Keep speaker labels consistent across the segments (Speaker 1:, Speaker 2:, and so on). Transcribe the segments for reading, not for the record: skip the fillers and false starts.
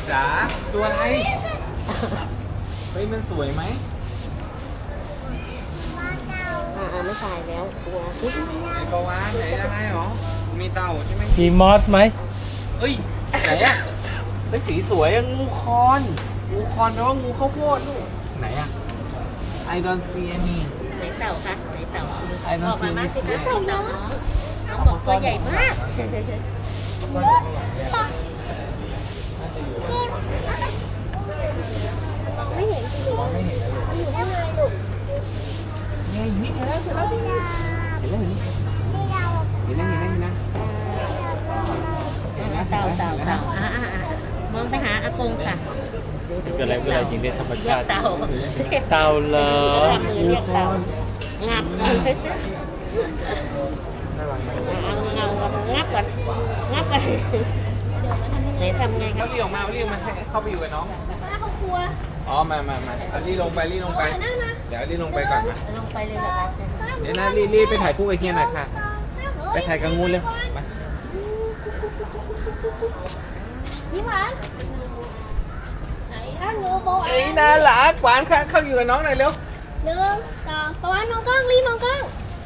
Speaker 1: จ๋าตัวอะไรเฮ้ยมันสวยไหม
Speaker 2: ไม่ใช่แล้วตัว
Speaker 1: มีปลาวาฬไหนอะไรหรอมีเต่าใช่ไหม
Speaker 3: มีมอสไหม
Speaker 1: เฮ้ยไหนอะเฮ้ยสีสวยอะงูคอนแปลว่างูข้าวโพดลูกไหนอะ I don't see any
Speaker 2: ไหนเต่าคะไหนเต่า
Speaker 1: I don't
Speaker 2: บอกมา
Speaker 1: see
Speaker 2: มา
Speaker 1: any
Speaker 2: สิคะเต่าน้องบอกตัวใหญ่มากไม่เห็น
Speaker 1: ไม่เห็นเลย
Speaker 2: อยู่ข้างในลูก
Speaker 1: เนี่ยอยู่นี่เจอแล้วเห็นแล้วเห็นนะ
Speaker 2: เต่ามองไปหาอากงค่ะ
Speaker 3: เกิดอะไรจริงในธรรมชาติ
Speaker 2: เต่า
Speaker 3: เต่าเหรอ
Speaker 2: ทำมือเรียกเต่างับเอาเงางับก่อนไหนทำไงครั
Speaker 1: เขา
Speaker 2: บ
Speaker 1: เรียกออกมาให้เข้าไปอยู่กับน้องเขากลัวอ๋อมารีลงไปเดี๋ยวรีลงไปก่อนมา
Speaker 2: ลงไปเลยเหรอคะ
Speaker 1: เดี๋ยวนะรีไปถ่ายคู่ไอเฮียหน่อยค่ะไปถ่ายกับงูเลยมา
Speaker 4: พี่หวานไหนถ้างูโบ
Speaker 1: เอ้ยน่ารักหวานค่ะเข้าอยู่กับน้องหน่อยเร็ว
Speaker 4: 1 2ประวันมองกล้องรีมองกล้อง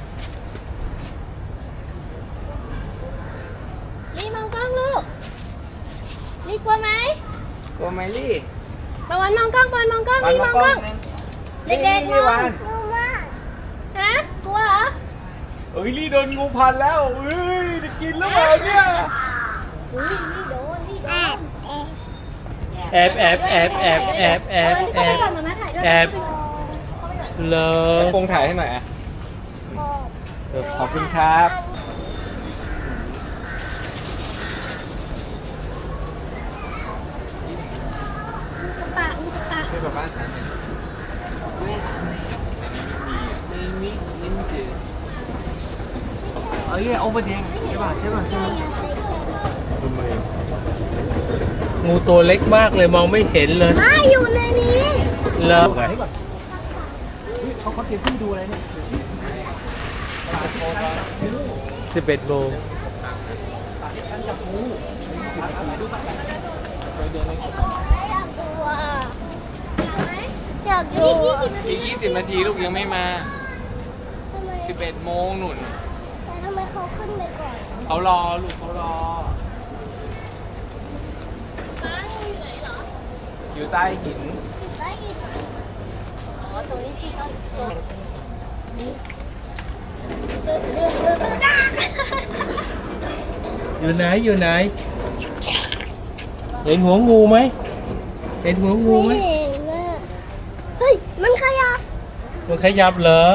Speaker 4: ลูกรีกลัวไหม
Speaker 1: กลัวไหมลี่
Speaker 4: ประวันมองกล้องรีมองกล้องเด็กๆมอง
Speaker 1: หวาน
Speaker 4: ฮะกลัวเหรอ
Speaker 1: เอ้ยลี่โดนงูพันแล้วเอ้ยจะกินหรือเปล่าเนี่ย
Speaker 4: อุ้ยนี่โดน
Speaker 3: แอบ
Speaker 4: ก่อนมาถ่ายด้วย
Speaker 3: แอบเหรอ
Speaker 1: โปงถ่ายให้หน่อยอ่ะขอบคุณครับ
Speaker 4: ปาก
Speaker 1: ช่วยแบบบ้านถ่ายหน่อย Where's Snake? Maybe in this. Oh yeah, over there. ใช่ป่ะ
Speaker 3: งูตัวเล็กมากเลยมองไม่เห็นเลย
Speaker 4: ไม่อยู่ในนี้
Speaker 3: เหรอ
Speaker 1: เขาเตรียมที่ดูอะไรเนี่ย
Speaker 3: 11 โมง
Speaker 4: อยากดู
Speaker 1: อีก20 นาทีลูกยังไม่มา 11 โมงหนุน
Speaker 4: แต่ทำไมเขาขึ้นไปก่อน
Speaker 1: เขารอลูกเขารอ อยู่ใต้หิน
Speaker 4: ได้อีกอ๋อตรงนี้ที่เขา
Speaker 3: อยู่ไหนเห็นหัวงูไหมเห็นหัวงูไหม
Speaker 4: ไม่เห็นน่ะเฮ้ยมันขยับ
Speaker 3: มันขยับเหรอ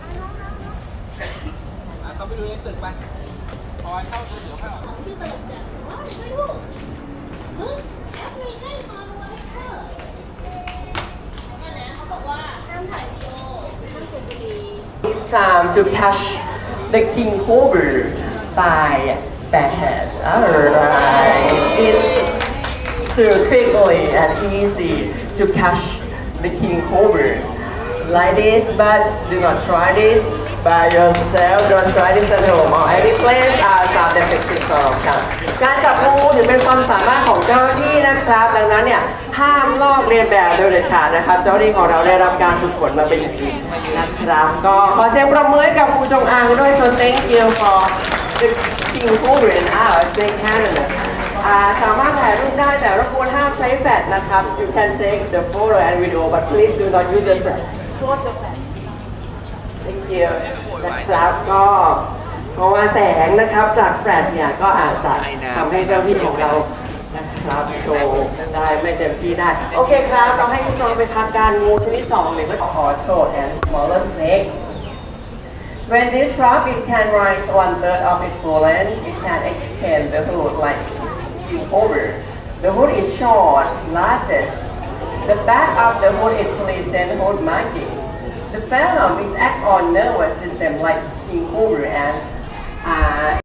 Speaker 1: เขาไปดูในตึกไปพอเข้าเดี๋ยวเข้า
Speaker 4: ชื่อตลกจังว้าวไม่รู้เฮ้ยมีได้มาไว้เถอะเนี่ยนะเขาบอกว่าห้ามถ่ายวิดีโอห้ามสูบบุหรี่
Speaker 5: Time to catch the king cobra by the head. Alright, it's too quickly and easy to catch the king cobra like this, but do not try this by yourself. Don't try this at home or any place outside the fixing zone. ครับการจับงูถือเป็นความสามารถของเจ้าหน้าที่นะครับ ดังนั้นเนี่ยห้ามลอกเลียนแบบโดยเด็ดขาดนะครับ เจ้าหน้าที่ของเราได้รับการฝึกฝนมาเป็นอย่างดีนะครับ ก็ขอเสียงปรบมือให้กับครูจงอางด้วย so thank you for the king cobra in our snake Canada สามารถถ่ายรูปได้แต่รบกวนห้ามใช้แฟลชนะครับ you can take the photo and video but please do not use the flash close the flash thank you นะครับก็เพราะว่าแสงนะครับจากแฟลชเนี่ยก็อาจจะทำให้เจ้าที่ของเรานะครับโชว์ได้ไม่เต็มที่ได้โอเคครับเราให้คุณน้องไปพักการงูชนิด2หรือว่าขอโทษ and smaller snake When this shrub it can rise 1/3 of its full length it can extend the hood like over the hood is short largest the back of the hood is pleasant hood marking the venom is act on nervous system like king cobra and